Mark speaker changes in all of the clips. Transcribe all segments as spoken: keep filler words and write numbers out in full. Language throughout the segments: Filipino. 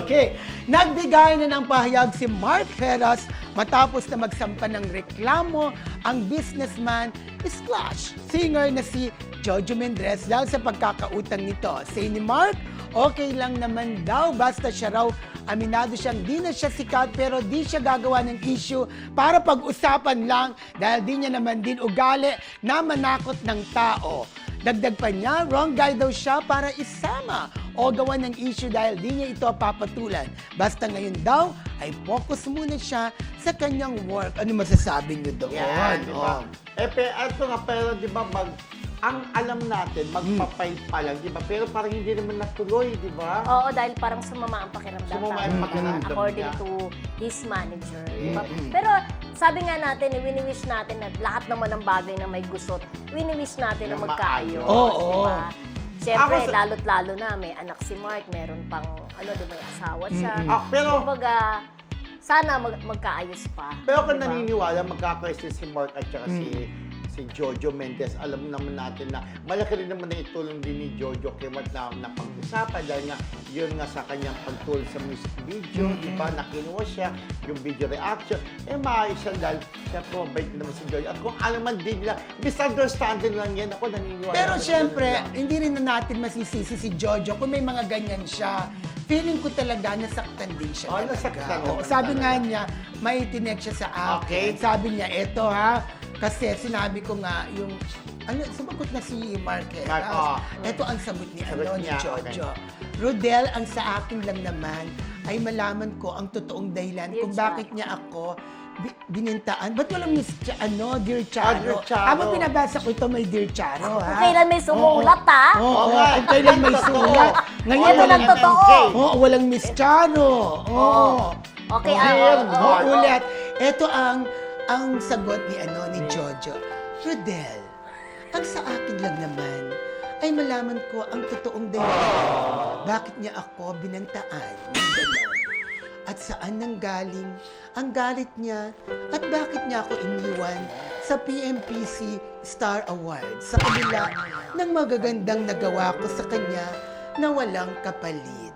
Speaker 1: Okay. Nagbigay na ng pahayag si Mark Heras matapos na magsampa ng reklamo ang businessman slash singer na si Jojo Mendrez dahil sa pagkakautang nito. Say ni Mark, okay lang naman daw basta siya raw aminado siyang di na siya sikat pero di siya gagawa ng issue para pag-usapan lang dahil di niya naman din ugali na manakot ng tao. Dagdag pa niya, wrong guy daw siya para isama o gawa ng issue dahil di niya ito papatulan. Basta ngayon daw ay focus muna siya sa kanyang work. Ano masasabi niyo doon?
Speaker 2: Yan, di ba?
Speaker 1: Oh.
Speaker 2: Eh, pe, ito nga, pero di ba, mag, ang alam natin, magpapay pa lang, di ba? Pero parang hindi naman natuloy, di ba?
Speaker 3: Oo, dahil parang sumama ang pakiramdam.
Speaker 2: Sumama ang
Speaker 3: tama.
Speaker 2: pakiramdam
Speaker 3: According
Speaker 2: niya.
Speaker 3: to his manager. Di ba? Pero sabi nga natin, eh, wini-wish natin na lahat naman ng bagay na may gusot, wini-wish natin na
Speaker 2: Na
Speaker 3: magkaayos.
Speaker 1: Oo.
Speaker 3: Di ba? Siyempre,
Speaker 2: Ako sa-
Speaker 3: lalo't lalo na, may anak si Mark, meron pang, ano, di ba, may asawa siya.
Speaker 2: Ah, pero-
Speaker 3: Kumbaga, sana mag magkaayos pa.
Speaker 2: Pero kung
Speaker 3: di ba?
Speaker 2: naniniwala, magkakaisa si Mark at saka si si Jojo Mendez, alam naman natin na malaki rin naman na itulong din ni Jojo kay Mark na, na pag-usapan dahil nga yun nga sa kanyang pagtulong sa music video, di ba, na kinuha siya, yung video reaction, eh maayos siya dahil siya po, mabait naman si Jojo. At kung ano man din nila, misunderstanding lang yan, ako naniniwala.
Speaker 1: Pero
Speaker 2: na
Speaker 1: syempre,
Speaker 2: ganun lang.
Speaker 1: hindi rin na natin masisisi si Jojo kung may mga ganyan siya. Feeling ko talaga nasaktan din siya.
Speaker 2: Oh,
Speaker 1: talaga.
Speaker 2: nasaktan
Speaker 1: Oo,
Speaker 2: naman
Speaker 1: sabi
Speaker 2: talaga.
Speaker 1: nga niya, may tinek siya sa akin.
Speaker 2: Okay.
Speaker 1: Sabi niya, eto ha, kasi sinabi ko nga yung, ano, sumagot na si Marquez.
Speaker 2: Mark, oh.
Speaker 1: Eto ang sagot ni,
Speaker 2: Sagot
Speaker 1: ano, ni
Speaker 2: niya,
Speaker 1: Jojo. Rodel, ang sa akin lang naman ay malaman ko ang totoong dahilan
Speaker 3: Dear
Speaker 1: kung
Speaker 3: Charo.
Speaker 1: bakit niya ako bi- binintaan. Ba't walang Miss Ch- ano, Dear
Speaker 2: Ah,
Speaker 1: Charo?
Speaker 2: Dear Charo.
Speaker 1: Habang pinabasa ko ito, may Dear Charo, ha?
Speaker 3: Kung kailan may sumulat, ha?
Speaker 1: Oo,
Speaker 2: Oo
Speaker 1: oh,
Speaker 2: nga.
Speaker 1: kung kailan may sulat. Ngayon,
Speaker 3: Ito
Speaker 1: walang,
Speaker 3: lang totoo.
Speaker 1: Oo, walang Miss Charo. Oo.
Speaker 3: Okay,
Speaker 1: Oo,
Speaker 3: ah,
Speaker 1: yun.
Speaker 3: oo,
Speaker 1: Oo,
Speaker 3: oo.
Speaker 1: ulit. Ito ang ang sagot ni ano ni Jojo. Rodel, ang sa akin lang naman ay malaman ko ang totoong dahilan. Bakit niya ako binantaan? Yung ganon. At saan nanggaling ang galit niya at bakit niya ako iniwan sa P M P C Star Awards sa kabila ng magagandang nagawa ko sa kanya na walang kapalit.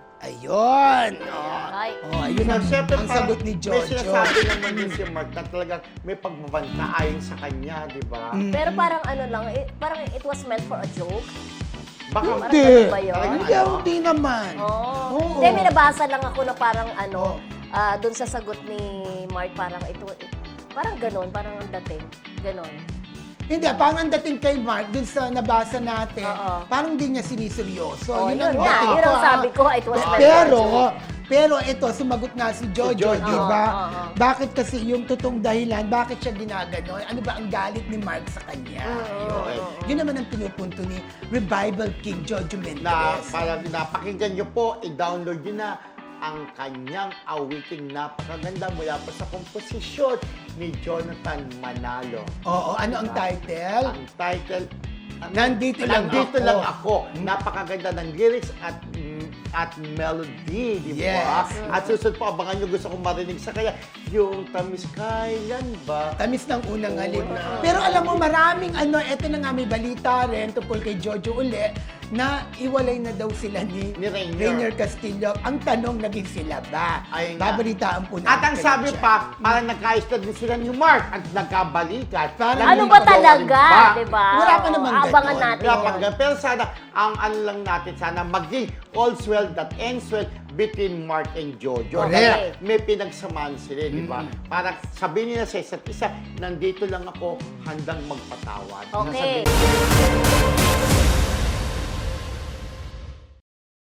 Speaker 1: Ayun! Oh,
Speaker 3: Ay.
Speaker 1: oh ayun ang,
Speaker 2: Siyempre,
Speaker 1: ang
Speaker 2: parang
Speaker 1: sagot ni
Speaker 2: May
Speaker 1: Jojo.
Speaker 2: sinasabi naman din si Mark na talagang may pagbabanta ayon sa kanya, di ba?
Speaker 3: Pero parang ano lang, eh, parang it was meant for a joke.
Speaker 2: Baka
Speaker 3: Parang
Speaker 1: Hindi.
Speaker 3: ganun ba yun?
Speaker 2: Talagang
Speaker 1: Hindi,
Speaker 2: ano?
Speaker 1: hindi naman.
Speaker 3: Oo.
Speaker 1: Oo.
Speaker 3: Hindi, may nabasa lang ako na parang ano, ah, dun sa sagot ni Mark, parang ito, eh, parang ganon, parang ang dating. Ganon.
Speaker 1: Hindi, parang ang dating kay Mark, dun sa nabasa natin,
Speaker 3: Oo.
Speaker 1: parang hindi niya siniseryoso.
Speaker 3: Oh,
Speaker 1: yun
Speaker 3: yun
Speaker 1: ang
Speaker 3: nga,
Speaker 1: dating
Speaker 3: yun
Speaker 1: ko,
Speaker 3: ang
Speaker 1: ah.
Speaker 3: sabi ko, it was meant for a
Speaker 1: Pero,
Speaker 3: joke.
Speaker 1: pero ito, sumagot nga si Jojo,
Speaker 2: Jojo.
Speaker 1: di ba?
Speaker 3: Oo, oo, oo.
Speaker 1: Bakit kasi yung totoong dahilan, bakit siya ginaganon? Ano ba ang galit ni Mark sa kanya?
Speaker 3: Oo,
Speaker 1: Yun.
Speaker 3: oo,
Speaker 1: Yun naman ang pinupunto ni Revival King Jojo Mendez.
Speaker 2: na parang napakinggan nyo po, i-download nyo na ang kanyang awiting napakaganda mula pa sa komposisyon ni Jonathan Manalo.
Speaker 1: Oo, ano ang title?
Speaker 2: Ang title,
Speaker 1: Nandito lang
Speaker 2: Nandito
Speaker 1: ako.
Speaker 2: lang ako. Napakaganda ng lyrics at mm, at melody, di ba?
Speaker 1: Yes.
Speaker 2: At susunod po, abangan nyo, gusto kong marinig sa kaya, yung tamis kailan ba?
Speaker 1: Tamis ng unang
Speaker 2: Oo
Speaker 1: halip.
Speaker 2: na.
Speaker 1: Pero alam mo, maraming ano, eto na nga may balita rin tungkol kay Jojo uli, na iwalay na daw sila ni,
Speaker 2: Ni Rainier.
Speaker 1: Castillo. Ang tanong, naging sila ba?
Speaker 2: Ayun nga.
Speaker 1: Babalitaan po natin.
Speaker 2: At ang
Speaker 1: kayo
Speaker 2: sabi
Speaker 1: dyan.
Speaker 2: pa, parang nagkaayos na din sila ni Mark at nagkabalikan.
Speaker 1: Parang
Speaker 3: Ano
Speaker 1: hindi
Speaker 3: ba
Speaker 1: ko alam
Speaker 3: talaga,
Speaker 2: ba?
Speaker 3: di ba?
Speaker 1: Wala pa namang
Speaker 3: Oo, Abangan
Speaker 1: ganon.
Speaker 3: natin
Speaker 2: Wala
Speaker 3: yun.
Speaker 2: pang ganun. Pero sana, ang ano lang natin, sana maging all's well that ends well between Mark and Jojo.
Speaker 1: Correct.
Speaker 2: Kaya may pinagsamaan sila, di ba?
Speaker 1: Mm.
Speaker 2: Para sabihin nila sa isa't isa, nandito lang ako, handang magpatawad.
Speaker 3: Okay.
Speaker 2: Sabihin-